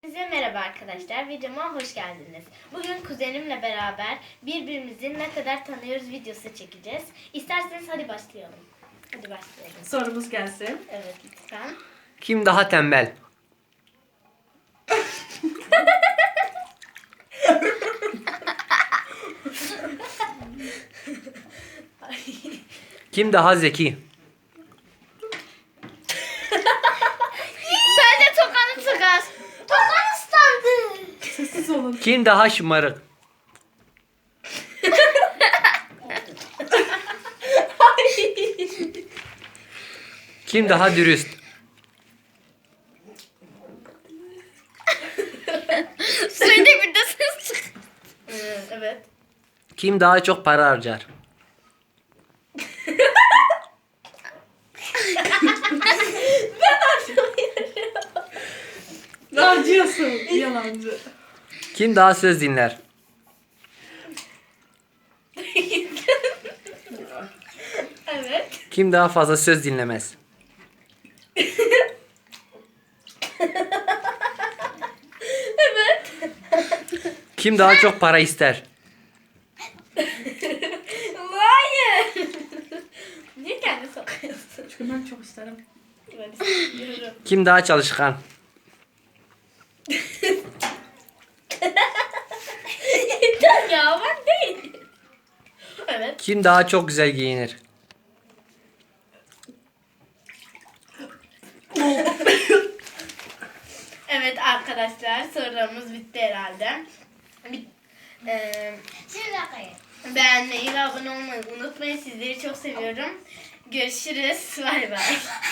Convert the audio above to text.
Size merhaba arkadaşlar, videoma hoş geldiniz. Bugün kuzenimle beraber birbirimizi ne kadar tanıyoruz videosu çekeceğiz. İsterseniz hadi başlayalım. Hadi başlayalım. Sorumuz gelsin. Evet lütfen. Kim daha tembel? Kim daha zeki? Bence tokanı sıkar. Tokan ıslandı. Sessiz olun. Kim daha şımarık? Kim daha dürüst? Suyunu bir de sık. Evet. Kim daha çok para harcar? Harcıyorsun. Yalancı. Kim daha söz dinler? Evet. Kim daha fazla söz dinlemez? Evet. Kim daha çok para ister? Hayır. Niye kendi sokuyorsun? Çünkü ben çok isterim. Ben istiyorum. Kim daha çalışkan? Ya ben değil. Evet. Kim daha çok güzel giyinir? Evet arkadaşlar sorularımız bitti herhalde. Beğenmeyi ve abone olmayı unutmayın. Sizleri çok seviyorum. Görüşürüz. Bay bay.